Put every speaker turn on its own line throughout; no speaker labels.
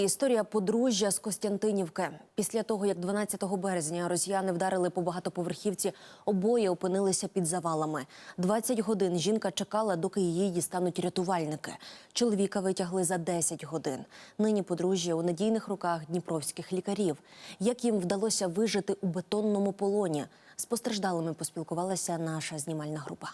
Історія подружжя з Костянтинівки. Після того, як 12 березня росіяни вдарили по багатоповерхівці, обоє опинилися під завалами. 20 годин жінка чекала, доки її дістануть рятувальники. Чоловіка витягли за 10 годин. Нині подружжя у надійних руках дніпровських лікарів. Як їм вдалося вижити у бетонному полоні? З постраждалими поспілкувалася наша знімальна група.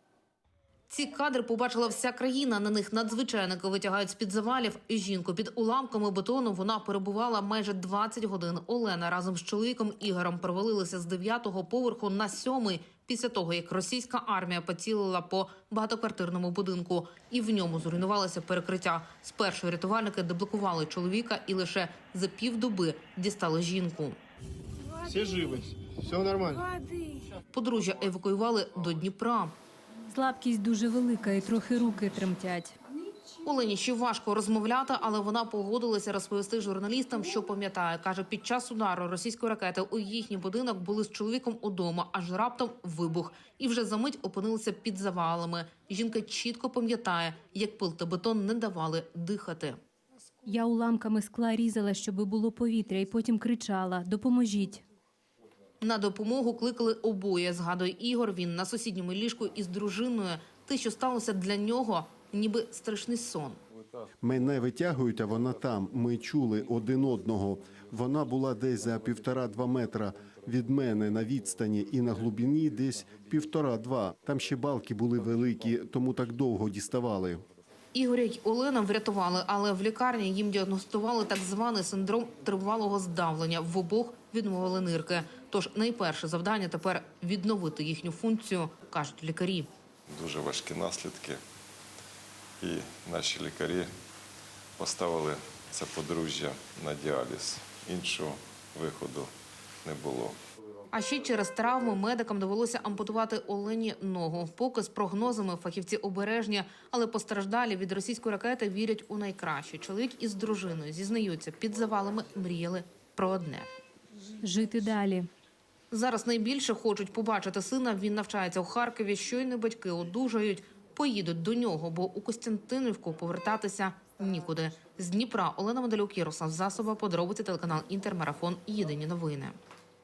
Ці кадри побачила вся країна. На них надзвичайники витягають з-під завалів жінку. Під уламками бетону вона перебувала майже 20 годин. Олена разом з чоловіком Ігорем провалилися з 9-го поверху на 7-й після того, як російська армія поцілила по багатоквартирному будинку. І в ньому зруйнувалося перекриття. Спершу рятувальники деблокували чоловіка і лише за півдоби дістали жінку.
Всі живі, все нормально.
Подружжя евакуювали до Дніпра.
Слабкість дуже велика і трохи руки тремтять.
Олені ще важко розмовляти, але вона погодилася розповісти журналістам, що пам'ятає. Каже, під час удару російської ракети у їхній будинок були з чоловіком удома, аж раптом вибух. І вже за мить опинилися під завалами. Жінка чітко пам'ятає, як пил та бетон не давали дихати.
Я уламками скла різала, щоб було повітря, і потім кричала «Допоможіть!».
На допомогу кликали обоє, згадує Ігор. Він на сусідньому ліжку із дружиною. Те, що сталося для нього, ніби страшний сон.
Мене витягують, а вона там. Ми чули один одного. Вона була десь за 1,5-2 метра від мене на відстані і на глибині десь 1,5-2. Там ще балки були великі, тому так довго діставали.
Ігоря й Олена врятували, але в лікарні їм діагностували так званий синдром тривалого здавлення. В обох відмовили нирки. Тож найперше завдання тепер відновити їхню функцію, кажуть лікарі.
Дуже важкі наслідки. І наші лікарі поставили це подружжя на діаліз. Іншого виходу не було.
А ще через травму медикам довелося ампутувати Олені ногу. Поки з прогнозами фахівці обережні, але постраждалі від російської ракети вірять у найкраще. Чоловік із дружиною, зізнаються, під завалами мріяли про одне –
Жити далі.
Зараз найбільше хочуть побачити сина. Він навчається у Харкові. Щойно батьки одужають, поїдуть до нього, бо у Костянтинівку повертатися нікуди. З Дніпра Олена Медалюк, Ярослав Засоба, подробиці, телеканал «Інтермарафон». Єдині новини.